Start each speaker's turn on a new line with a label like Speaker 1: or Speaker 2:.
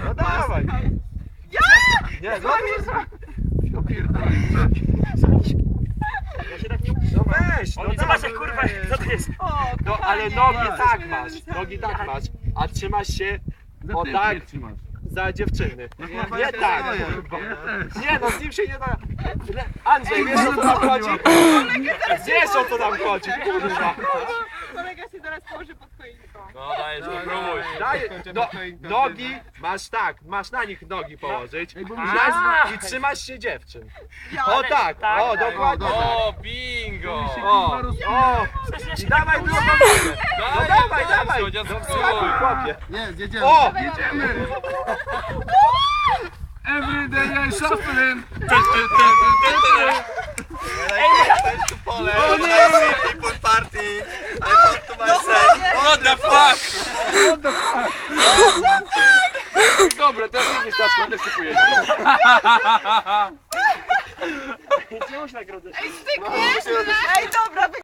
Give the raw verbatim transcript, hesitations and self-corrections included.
Speaker 1: No dawaj.
Speaker 2: Ja!
Speaker 1: Nie, no
Speaker 3: Ja pierdolę.
Speaker 4: Ja się tak nie
Speaker 1: no weź, no
Speaker 4: Oni
Speaker 1: dawaj.
Speaker 4: zobacz jak kurwa, co to jest?
Speaker 2: O,
Speaker 1: No ale
Speaker 2: kochanie,
Speaker 1: nogi
Speaker 2: jesteśmy
Speaker 1: tak masz,
Speaker 2: razem.
Speaker 1: nogi tak masz, a trzymasz się
Speaker 3: Za
Speaker 1: o
Speaker 3: ty
Speaker 1: tak
Speaker 3: mnie trzymasz.
Speaker 1: za dziewczyny.
Speaker 3: kurwa,
Speaker 1: Nie
Speaker 3: ja
Speaker 1: tak.
Speaker 3: stoję.
Speaker 1: kurwa.
Speaker 3: Ja też.
Speaker 1: Nie no, z nim się nie da. Andrzej, wiesz o co tam chodzi? Wiesz o co tam chodzi, kurwa.
Speaker 2: Kolega się zaraz położy pod choinką.
Speaker 4: No dajesz, próbuj.
Speaker 1: Daj, no, nogi masz tak, masz na nich nogi położyć
Speaker 3: Ej, bo
Speaker 1: i,
Speaker 3: mi
Speaker 1: na, i trzymasz się dziewczyn.
Speaker 2: Ja,
Speaker 1: O tak,
Speaker 4: tak,
Speaker 1: o
Speaker 4: tak.
Speaker 1: dokładnie tak.
Speaker 4: O, bingo!
Speaker 1: O, o, i dawaj drugą nogę. No dawaj, dawaj,
Speaker 4: Słodzia,
Speaker 1: no
Speaker 4: spróbuj.
Speaker 1: wskakuj chłopie.
Speaker 3: Nie, jedziemy.
Speaker 1: O!
Speaker 3: Jedziemy. Every day I shuffling.
Speaker 1: O nie!
Speaker 5: People party! I want to myself!
Speaker 4: What the fuck?
Speaker 1: Dobra, teraz nie wystarczy, będę sypuję.
Speaker 4: Czemu się tak robisz?
Speaker 2: Ej, stykniesz? Ej, dobra,